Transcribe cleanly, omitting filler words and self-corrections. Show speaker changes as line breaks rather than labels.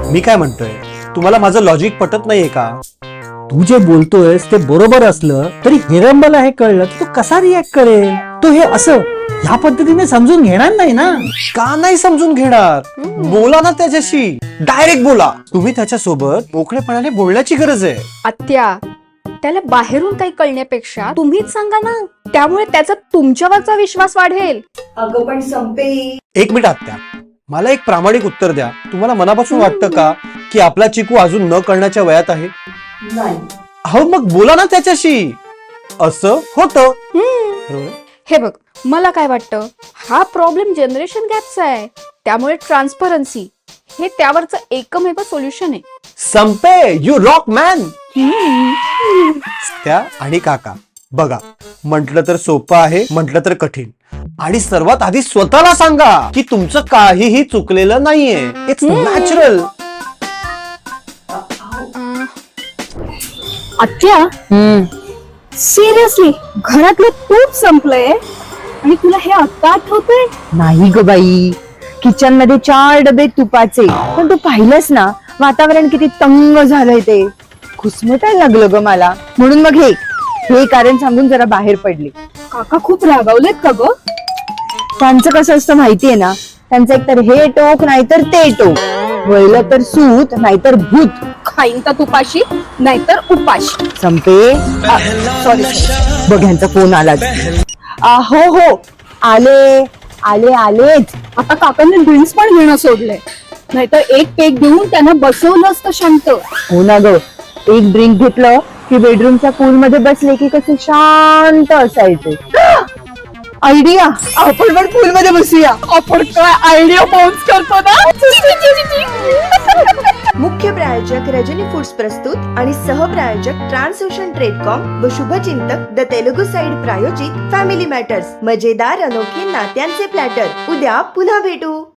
मी काय म्हणतोय, तुम्हाला माझं लॉजिक पटत नाहीये का?
तू जे बोलतोयस ते बरोबर असलं तरी हिरंबला हे कळलं की तो कसा रिॲक्ट करेल. तो हे असं ह्या पद्धतीने समजून घेणार नाही ना.
का नाही समजून घेणार? बोला ना त्याच्याशी, डायरेक्ट बोला. तुम्ही त्याच्यासोबत मोकळेपणाने बोलण्याची गरज आहे.
आत्या, त्याला बाहेरून काही कळण्यापेक्षा तुम्हीच सांगा ना, त्यामुळे त्याचा तुमच्यावरचा विश्वास वाढेल.
अगं पण संपे,
एक मिनिट आत्या, मला एक प्रामाणिक उत्तर द्या. तुम्हाला मनापासून वाटतं का की आपला चिकू अजून न कळण्याच्या वयात आहे?
नाही.
अहो मग बोला ना त्याच्याशी. असं होतं बरोबर?
हे बघ, मला काय वाटतं, हा प्रॉब्लेम जनरेशन गॅपचा आहे. त्यामुळे ट्रान्सपरन्सी हे त्यावरचं एकमेव सोल्युशन आहे.
संपे, यू रॉक मॅन. त्या आणि काका बघा, म्हटलं तर सोपं आहे, म्हटलं तर कठीण. आणि सर्वात आधी स्वतःला सांगा की तुमचं काहीही चुकलेलं नाहीये. It's natural.
आत्या, सिरियसली घरातलं तूप संपलंय आणि तुला हे आत्ता आठवतंय?
नाही ग बाई, किचन मध्ये 4 डबे तुपाचे. पण तू पाहिलंस ना वातावरण किती तंग झालंय ते. खुसमटायला लागलं ग मला. म्हणून मग हे कारण सांगून जरा बाहेर पडले.
काका खूप रागावलेत का ग?
त्यांचं कसं असतं माहितीये ना, त्यांचं एकतर हे टोक नाहीतर ते टोक. वळलं तर सूत नाहीतर भूत.
खाईन तर तुपाशी नाहीतर उपाशी.
संपे, सॉरी, बघ ह्यांचा फोन आलाच. हो हो, आले आले आलेच.
आता काकांनी ड्रिंक्स पण घेणं सोडलंय, नाहीतर एक पेक देऊन त्यांना बसवलं असतं शांत.
हो ना ग, एक ड्रिंक घेतलं की बेडरूमच्या पूल मध्ये बसले की कसे शांत असायचे. आयडिया, आपण पण पूल मध्ये बसूया.
आपण काय आयडिया बाउन्स करतो ना.
मुख्य प्रायोजक रजनी फूड्स प्रस्तुत आणि सहप्रायोजक ट्रान्सओशन ट्रेडकॉम व शुभचिंतक द तेलुगू साइड प्रायोजित फॅमिली मॅटर्स. मजेदार अनोखे नात्यांचे प्लॅटर. उद्या पुन्हा भेटू.